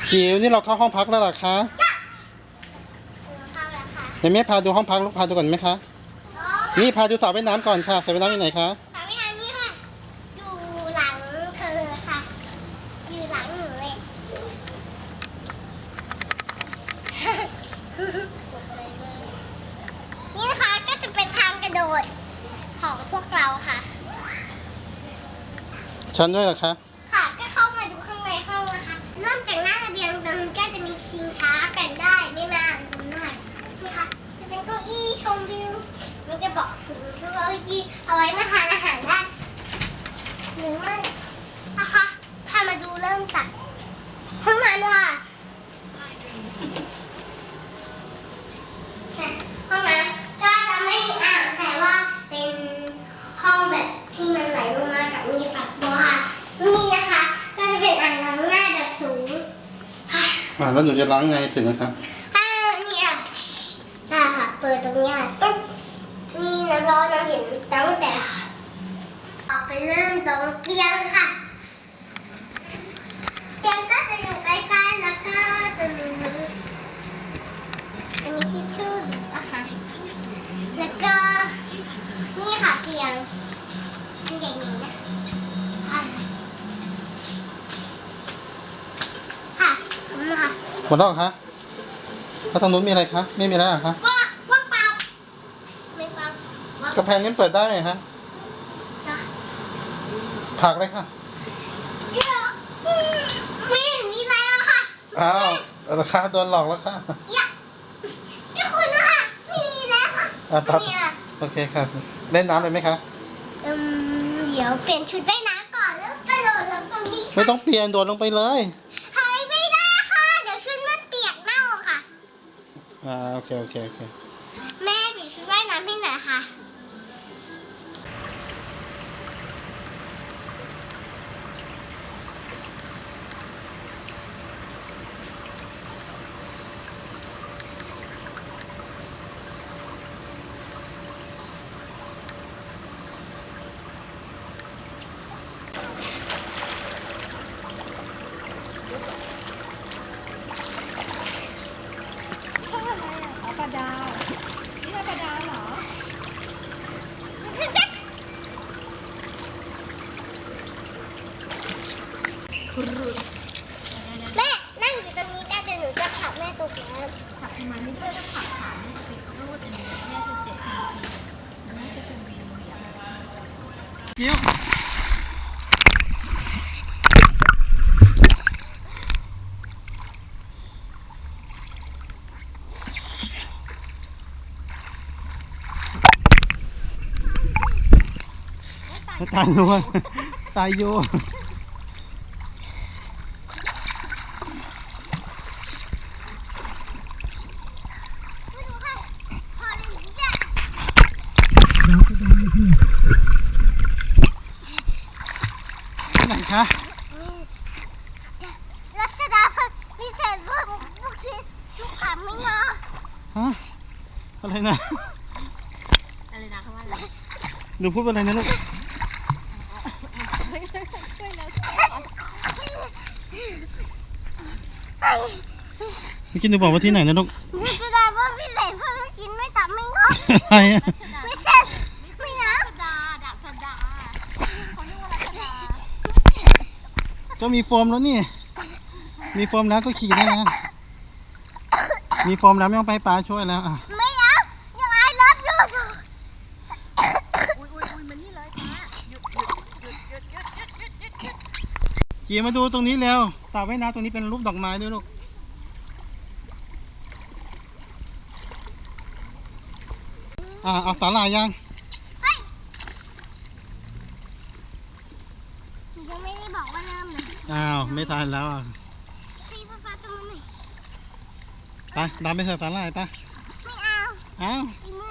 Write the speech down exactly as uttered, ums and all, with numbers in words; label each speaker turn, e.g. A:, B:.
A: จิ๋วนี่เราเข้าห้องพักแล้วเหรอคะเดี๋ยวแม่พาดูห้องพักลูกพาดูก่อนไหมคะนี่พาดูสระว่ายน้ำก่อนค่ะสระว่ายน้ำอยู่ไหนคะ
B: สระว่ายน้ำนี่ค่ะอยู่หลังเธอค่ะอยู่หลังหนูเลยนี่นะคะก็จะเป็นทางกระโดดของพวกเราค่ะ
A: ชั้นด้วยเหรอคะ
B: ค่ะก็เข้ามาดูข้างในห้องนะคะเริ่มจากหน้าระเบียงตรงนี้ก็จะมีชิงช้ากันได้ไม่มากตรงนั้นนี่ค่ะจะเป็นเก้าอี้ชมวิวมันจะบอกถึงเก้าอี้เอาไว้มาทานอาหารได้หรือไม่นะคะพามาดูเริ่มจากห้องน้ำค่ะห้องน้ำก็จะไม่มีอ่างแต่ว่าเป็นห้องแบบที่มันไหลลงมากับมีฝักบัวค่ะนี่นะคะก็จะเป็นอ่างล้างหน้าแบบสูงค่ะ
A: อ่าแล้วหนูจะล้างไงถึงนะครับ
B: ถ้านี่อ่ะอ่าค่ะเปิดตรงนี้ค่ะตุ๊บนี่น้ำร้อนน้ำเย็นตั้งแต่ออกไปเริ่มตรงเตียงค่ะเตียงก็จะอยู่ใกล้ๆแล้วก็จะมีจะมีทิชชู่นะคะแล้วก็นี่ค่ะเตียงมันใหญ่ๆนะค่ะค่ะขอบคุณค่ะ
A: หมดแล้วเหรอคะแล้วทางนู้นมีอะไรคะไม่มีแล้วเหรอคะ
B: ว่างว่างเปล่าไม่ว่างว่าง
A: กระแพงนี้เปิดได้ไหมคะ
B: จ้ะ
A: ผักเลยค่ะ
B: ไม่เห็นมีอะไรแล้วค่ะ
A: อ้าวราคาโดนหลอกแล้วค่ะ
B: อย่าไม่คุณนะคะไม่มีแล้วค่ะ
A: อ่ะปั๊บ
B: ไม่มีอ่ะ
A: โอเคค่ะเล่นน้ำเลยไหมคะ
B: อืมเดี๋ยวเปลี่ยนชุดว่ายน้ำก่อนแล้วกระโดดลงตรงนี้
A: ไม่ต้องเปลี่ยนโดดลงไปเลย
B: เฮ้ยไม่ได้ค่ะเดี๋ยวชุดมันเปียกเน่าค่ะ
A: อ่าโอเคโอเคโอเค
B: แม่เปลี่ยนชุดว่ายน้ำให้หน่อยค่ะ
C: ปลาดาวนี่ใช่ปลาดาวเหรอ
B: แม่นั่งอยู่ตรงนี้ได้เดี๋ยวหนูจะผลักแม่ตกน้ำ
C: ผักทำไมไม่ได้ต้องผักขาไม่ติดรูดอันนี้แม่จะเจ็บทันทีแล้วแม่ก็จะเวียนเวียน
A: กิ้วตายอยู่ตายอยู่ไหนคะ
B: รัชดาพิเศษว่าลูกชิ้นลูกขำไม่เนาะ
A: ฮะอะไรนะ
C: อะไรนะคำว่าอะไร
A: หนูพูดอะไรนะลูก
C: ช่วยเรา
A: เมื่อกี้หนูบอกว่าที่ไหนนะลูก
B: รัชดาว่าพิเศษเพื่อลูกชิ้นไม่ตับไม่งอ
A: อะไรอะ
B: พิเศษไม่นะ
C: รัชดาดักชดาเขาเรียกว่ารัชดา
A: ก็มีโฟมแล้วนี่มีโฟมแล้วก็ขี่ได้นะมีโฟมแล้วไม่ต้องไปป้าช่วยแล้วอ่ะ
B: ไม่เอายังไงรับอยู่
C: อุ้ยอุ้ยอุ้ยมันนี่เลยจ้าหยุดหยุดหยุดหยุดหยุดหยุดหยุดหยุดหยุด
A: ขี่มาดูตรงนี้แล้วสระว่ายน้ำตรงนี้เป็นรูปดอกไม้ด้วยลูกอ่าเอาสาหร่ายยัง
B: ยังไม่ได้บอกว่าเริ่มเลย
A: อ้าวไม่ทันแล้วอ่ะ
B: พี่ป้าป้าตรงนี้
A: ไปตามไปเถอะสาหร่ายไป
B: ไม่เอา
A: อ้าว
B: อีมื